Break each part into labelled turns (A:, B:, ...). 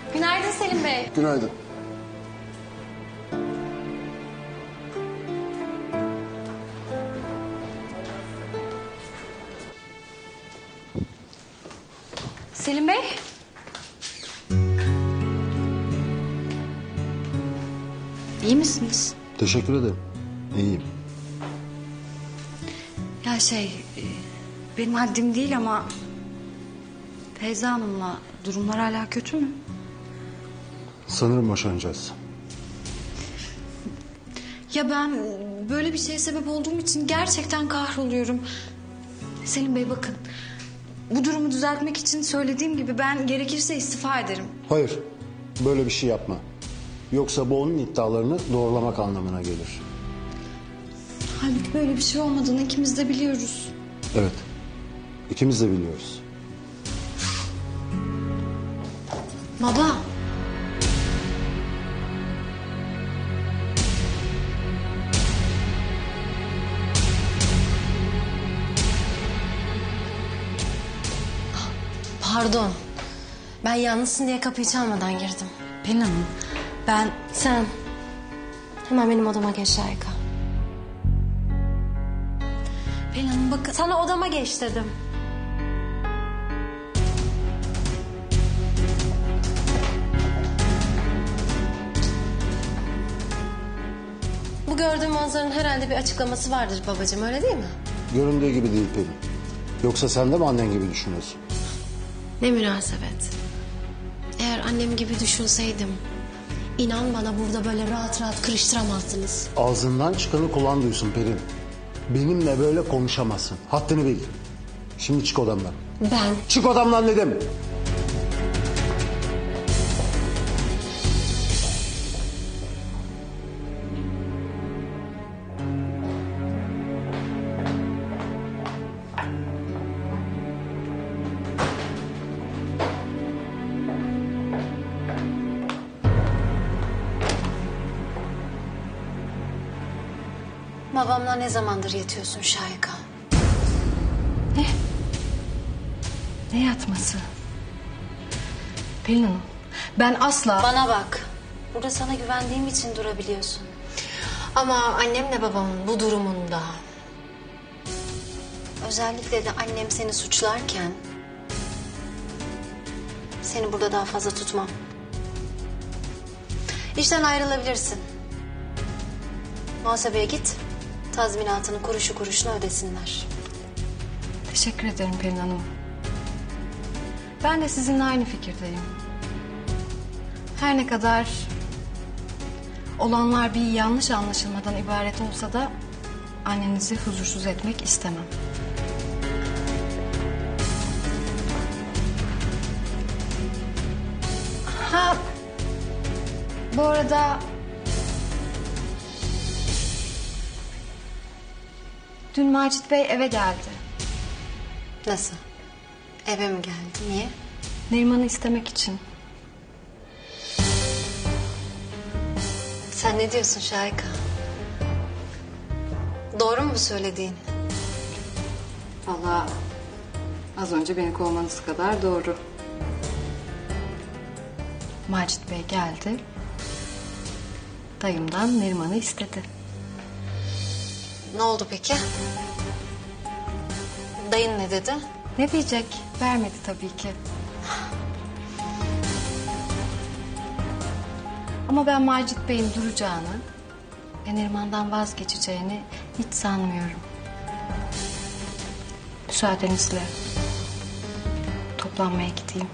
A: Günaydın Selim Bey.
B: Günaydın.
A: Selim Bey. İyi misiniz?
B: Teşekkür ederim. İyiyim.
A: Ya benim haddim değil ama Feyza Hanım'la durumlar hala kötü mü?
B: Sanırım boşanacağız.
A: Ya ben böyle bir şeye sebep olduğum için gerçekten kahroluyorum. Selim Bey bakın. Bu durumu düzeltmek için söylediğim gibi ben gerekirse istifa ederim.
B: Hayır, böyle bir şey yapma. Yoksa bu onun iddialarını doğrulamak anlamına gelir.
A: Halbuki böyle bir şey olmadığını ikimiz de biliyoruz.
B: Evet, ikimiz de biliyoruz.
A: Baba.
C: Pardon. Ben yalnızsın diye kapıyı çalmadan girdim.
A: Pelin Hanım ben...
C: Sen hemen benim odama geç Şahika.
A: Pelin Hanım bakın.
C: Sana odama geç dedim. Bu gördüğüm manzaranın herhalde bir açıklaması vardır babacığım, öyle değil mi?
B: Göründüğü gibi değil Pelin. Yoksa sen de mi annen gibi düşünüyorsun?
C: Ne münasebet. Eğer annem gibi düşünseydim, inan bana burada böyle rahat rahat kırıştıramazdınız.
B: Ağzından çıkanı kulağın duysun Pelin. Benimle böyle konuşamazsın. Haddini bil. Şimdi çık odamdan.
C: Ben
B: Çık odamdan dedim.
C: babamla ne zamandır yatıyorsun Şahika?
A: Ne yatması? Pelin Hanım ben asla...
C: Bana bak. Burada sana güvendiğim için durabiliyorsun. Ama annemle babamın bu durumunda... Özellikle de annem seni suçlarken... Seni burada daha fazla tutmam. İşten ayrılabilirsin. Muhasebeye git. Tazminatını kuruşu kuruşuna ödesinler.
A: Teşekkür ederim Pelin Hanım. Ben de sizinle aynı fikirdeyim. Her ne kadar olanlar bir yanlış anlaşılmadan ibaret olsa da annenizi huzursuz etmek istemem. Ha, bu arada dün Macit Bey eve geldi.
C: Nasıl? Eve mi geldi? Niye?
A: Neriman'ı istemek için.
C: Sen ne diyorsun Şahika? Doğru mu bu söylediğin?
A: Vallahi az önce beni kovmanız kadar doğru. Macit Bey geldi. Dayımdan Neriman'ı istedi.
C: Ne oldu peki? Dayın ne dedi?
A: Ne diyecek? Vermedi tabii ki. Ama ben Macit Bey'in duracağını ve Neriman'dan vazgeçeceğini hiç sanmıyorum. Müsaadenizle toplanmaya gideyim.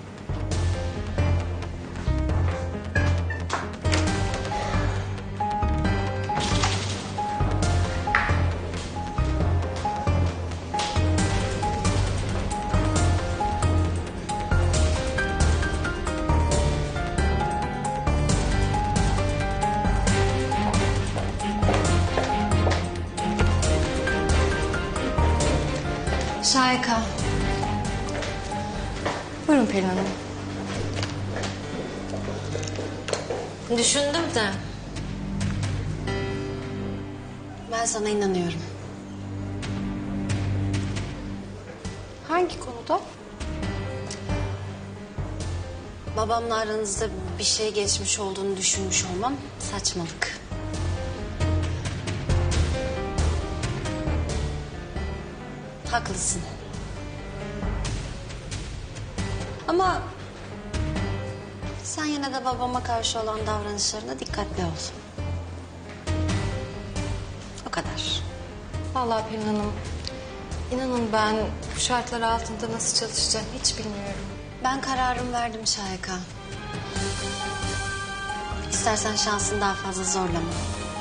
C: Şahika.
A: Buyurun Pelin Hanım.
C: Düşündüm de. Ben sana inanıyorum.
A: Hangi konuda?
C: babamla aranızda bir şey geçmiş olduğunu düşünmüş olmam saçmalık. Haklısın. Ama sen yine de babama karşı olan davranışlarına dikkatli ol. O kadar.
A: Vallahi Pelin Hanım, inanın ben bu şartlar altında nasıl çalışacağım hiç bilmiyorum.
C: Ben kararımı verdim Şahika. İstersen şansını daha fazla zorlama.